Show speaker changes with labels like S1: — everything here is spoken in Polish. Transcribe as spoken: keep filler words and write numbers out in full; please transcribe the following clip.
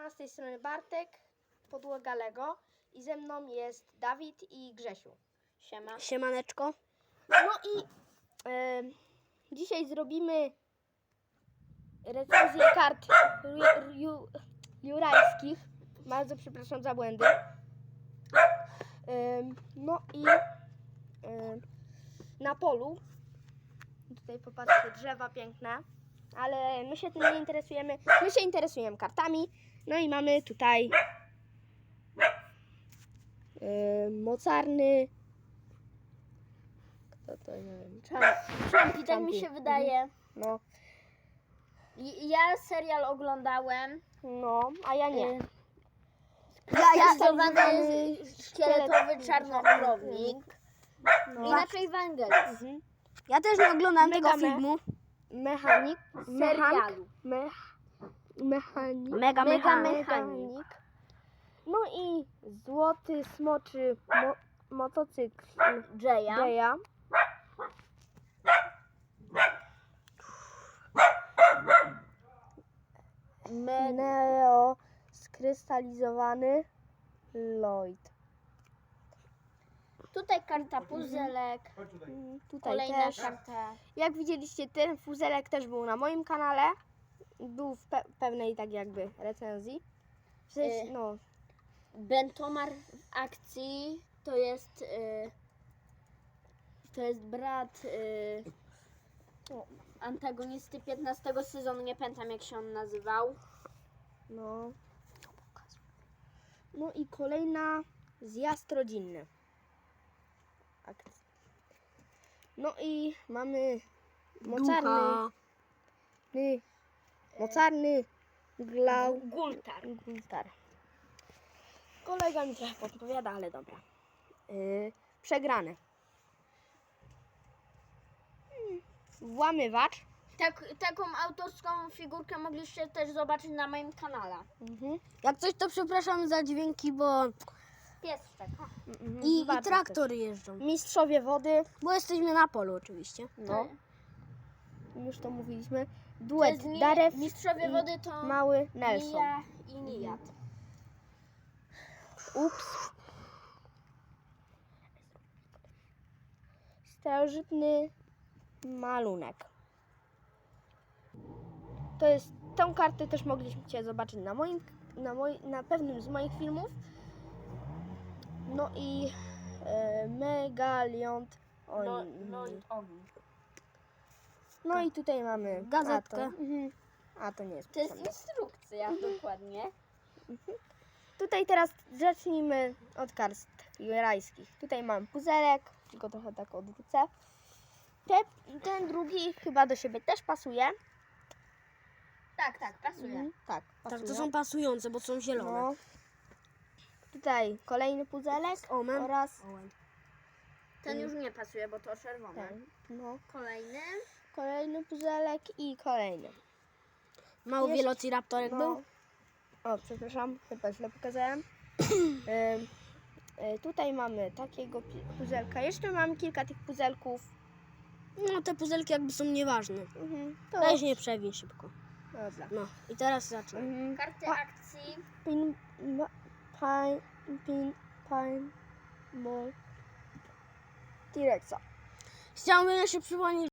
S1: Siema, z tej strony Bartek, podłoga Lego i ze mną jest Dawid i Grzesiu. Siema.
S2: Siemaneczko.
S1: No i e, dzisiaj zrobimy recenzję kart ju, ju, jurajskich. Bardzo przepraszam za błędy. E, no i e, na polu, tutaj popatrzcie, drzewa piękne, ale my się tym nie interesujemy, my się interesujemy kartami. No i mamy tutaj yy, mocarny, kto to, nie wiem,
S3: Czampi, tak mi się wydaje.
S1: no,
S3: I- Ja serial oglądałem.
S1: no, a ja nie.
S3: Y,
S1: Ja, ja
S3: Stylizowany
S1: tak
S3: jest szkieletowy czarnokrownik.
S1: no.
S3: Inaczej Węgiel.
S1: Mhm.
S2: Ja też nie oglądałem
S1: Mega
S2: tego
S1: me-
S2: filmu.
S1: Mechanik, mechanik,
S3: Serialu.
S1: mech, mechanik,
S2: Mega
S3: Mega
S2: mechanik.
S3: mechanik.
S1: no i złoty smoczy mo, motocykl
S3: Jaya.
S1: Jaya.
S3: Me-
S1: Neo skrystalizowany Lloyd.
S3: Tutaj karta puzelek.
S1: Mm, Tutaj
S3: Kolejna
S1: też.
S3: karta.
S1: Jak widzieliście, ten fuzelek też był na moim kanale. Był w pe- pewnej tak jakby recenzji. W sensie,
S3: Y.
S1: no,
S3: Bentomar w akcji to jest y, to jest brat y,
S1: O.
S3: antagonisty piętnastego sezonu, nie pamiętam jak się on nazywał.
S1: no. No i kolejna zjazd rodzinny. Akcja. No i mamy mocarny,
S2: Ducha.
S1: ny, mocarny glau,
S3: Gultar.
S1: Gultar. Kolega mi trochę podpowiada, ale dobra. Yy, przegrany. Hmm, Włamywacz.
S3: Tak, taką autorską figurkę mogliście też zobaczyć na moim kanale.
S1: Mhm.
S2: Jak coś, to przepraszam za dźwięki, bo
S3: Piesczek.
S1: Mhm.
S2: i, i
S1: Bardzo
S2: traktory jeżdżą.
S1: też. Mistrzowie wody.
S2: Bo jesteśmy na polu oczywiście.
S1: No, już to mówiliśmy.
S3: To
S1: Duet
S3: jest ni-
S1: Darew
S3: Mistrzowie
S1: i
S3: wody to
S1: mały Nelson.
S3: Nia i Nijat.
S1: Ups. Starożytny malunek. To jest, tą kartę też mogliście zobaczyć na moim, na, moj, na pewnym z moich filmów. No i e, Megaliont. O,
S3: No,
S1: mm,
S3: no i ogień.
S1: no i tutaj mamy
S2: Gazetkę.
S1: A to, mhm. A to nie jest
S3: To jest
S1: potrzebne.
S3: instrukcja dokładnie.
S1: Tutaj teraz zacznijmy od kart jurajskich. Tutaj mam puzelek, tylko trochę tak odwrócę. Te, ten drugi chyba do siebie też pasuje.
S3: Tak, tak, pasuje.
S1: Mhm, tak,
S2: Tak,
S1: pasuje.
S2: to są pasujące, bo są zielone.
S1: No. Tutaj kolejny puzelek
S2: Omen.
S1: oraz
S3: Ten już nie pasuje, bo to czerwone.
S1: ten. No.
S3: Kolejny.
S1: Kolejny puzelek i kolejny.
S2: Mały
S1: Jeszcze-
S2: wielociraptorek
S1: No.
S2: był.
S1: O, przepraszam, chyba źle pokazałem. Ym, y, tutaj mamy takiego pi- puzelka. Jeszcze mamy kilka tych puzelków.
S2: No te puzelki jakby są nieważne.
S1: Mhm, to
S2: Weź nie przewiń szybko.
S1: dobra.
S2: No i teraz zacznę.
S1: Mhm.
S3: Karty
S1: Pa-
S3: akcji.
S1: Pin, ma, pine, pin, pine, ball, T-Rexa.
S2: Chciałbym jeszcze przypomnieć,